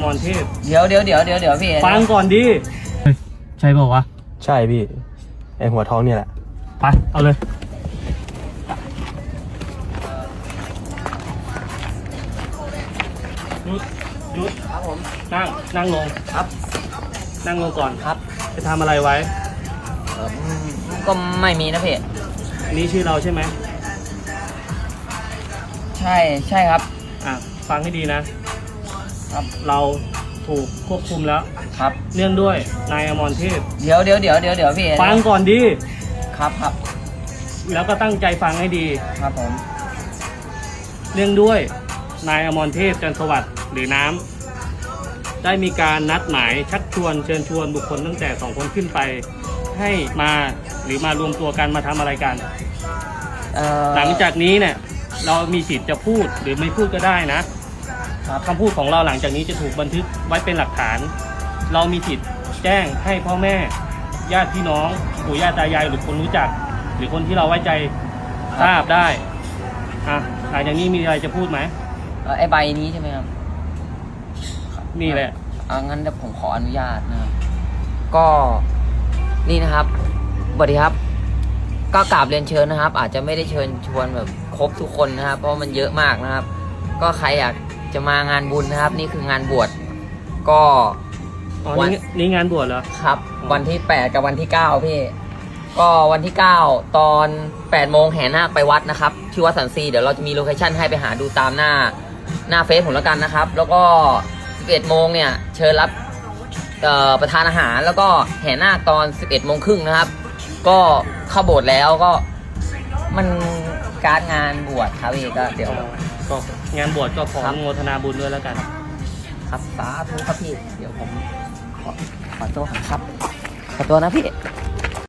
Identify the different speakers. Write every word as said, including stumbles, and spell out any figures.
Speaker 1: มรเทพ
Speaker 2: เดี๋ยวเดี๋ยวเดี๋ยวเดี๋ยวเดี๋ยวพี่
Speaker 1: ฟังก่อนดิใช่เปล่าวะ
Speaker 3: ใช่พี่ไอหัวท้องนี่แหละ
Speaker 1: ไปเอาเลยหยุดหยุด
Speaker 2: ครับผม
Speaker 1: นั่งนั่งลง
Speaker 2: ครับ
Speaker 1: นั่งลงก่อน
Speaker 2: ครับ
Speaker 1: จะทำอะไรไว้
Speaker 2: เออก็ไม่มีนะพี่
Speaker 1: นี่ชื่อเราใช่ไหม
Speaker 2: ใช่ใช่ครับ
Speaker 1: อ่ะฟังให้ดีนะครับเราถูกควบคุมแล้ว
Speaker 2: ครับ
Speaker 1: เนื่องด้วยนายอมรเทพ
Speaker 2: เดี๋ยวเดี๋ยวเดี๋ยวเดี๋ยวเดี๋ยวพี่
Speaker 1: ฟังก่อนดิ
Speaker 2: ครับครับ
Speaker 1: แล้วก็ตั้งใจฟังให้ดี
Speaker 2: ครับผม
Speaker 1: เนื่องด้วยนายอมรเทพจันทร์สวัสดิ์หรือน้ำได้มีการนัดหมายชักชวนเชิญชวนบุคคลตั้งแต่สองคนขึ้นไปให้มาหรือมารวมตัวกันมาทำอะไรกันหลังจากนี้เนี่ยเรามีสิทธิ์จะพูดหรือไม่พูดก็ได้นะคำพูดของเราหลังจากนี้จะถูกบันทึกไว้เป็นหลักฐานเรามีสิทธิ์แจ้งให้พ่อแม่ญาติพี่น้องปู่ย่าตายายหรือคนรู้จักหรือคนที่เราไว้ใจทราบได้อ่ะหลังจากนี้มีอะไรจะพูดไหม
Speaker 2: ไอ้ใบนี้ใช่ไหมครับ
Speaker 1: นี่แหละ
Speaker 2: อ่ะงั้นเดี๋ยวผมขออนุญาตนะครับก็นี่นะครับสวัสดีครับก็กราบเรียนเชิญนะครับอาจจะไม่ได้เชิญชวนแบบครบทุกคนนะครับเพราะมันเยอะมากนะครับก็ใครอยากจะมางานบุญนะครับนี่คืองานบวชก็
Speaker 1: วันนี้งานบวชเหรอ
Speaker 2: ครับวันที่แปดกับวันที่เก้าพี่ก็วันที่เก้าตอนแปดโมงแห่นาคไปวัดนะครับที่วัดสันทรีเดี๋ยวเราจะมีโลเคชั่นให้ไปหาดูตามหน้าหน้าเฟซผมแล้วกันนะครับแล้วก็สิบเอ็ดโมงเนี่ยเชิญรับประทานอาหารแล้วก็แห่นาคตอนสิบเอ็ดโมงครึ่งนะครับก็เข้าโบสถ์แล้วก็มันการงานบวชครับพี่ก็เดี๋ยว
Speaker 1: ก็งานบวชก็ขออนุโมทนาบุญด้วยแล้วกัน
Speaker 2: ครับสาธุครับพี่เดี๋ยวผมขอขอตัวครับขอตัวนะพี่